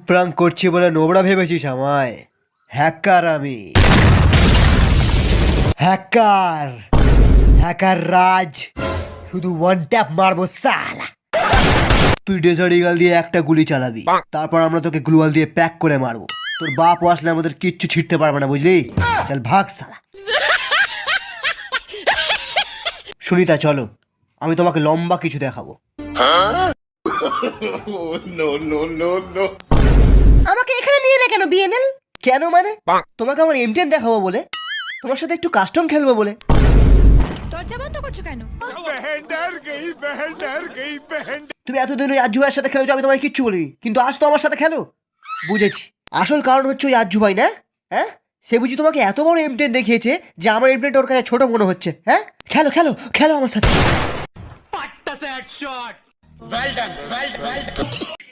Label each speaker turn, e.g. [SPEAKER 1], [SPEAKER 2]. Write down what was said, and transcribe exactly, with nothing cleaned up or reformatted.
[SPEAKER 1] Prank করছি বলে নোবড়া ভেবেছিস আমায়? হ্যাকার আমি, হ্যাকার হ্যাকার রাজ। শুধু ওয়ান ট্যাপ মারবো সালা। তুই ডেজার্ট ইগল দিয়ে একটা গুলি চালাবি, তারপর আমরা তোকে গ্লুয়াল দিয়ে প্যাক করে মারবো। তোর বাপ আসলে আমাদের কিচ্ছু ছিটতে পারবে না, বুঝলি? চল ভাগ সালা। সুনিতা চলো, আমি তোমাকে লম্বা কিছু দেখাবো। আমাকে এখানে নিয়ে এলে কেন বিএনএল? কেন মানে? তোমাকে আমার এম টেন দেখাবো বলে, তোমার সাথে একটু কাস্টম খেলবো বলে।
[SPEAKER 2] দরজা বন্ধ করছো কেন?
[SPEAKER 1] তুমি এতদিন ওই আজ্জু ভাইয়ের সাথে খেলেছো, আমি তোমায় কিচ্ছু বলিনি, কিন্তু আজ তো আমার সাথে খেলো। বুঝেছি, আসল কারণ হচ্ছে ওই আজ্জু ভাই না? হ্যাঁ, সে বুঝি তোমাকে এত বড় এম টেন দেখিয়েছে যে আমার এম টেনটা ওর কাছে ছোট মনে হচ্ছে। হ্যাঁ, খেলো খেলো খেলো আমার সাথে।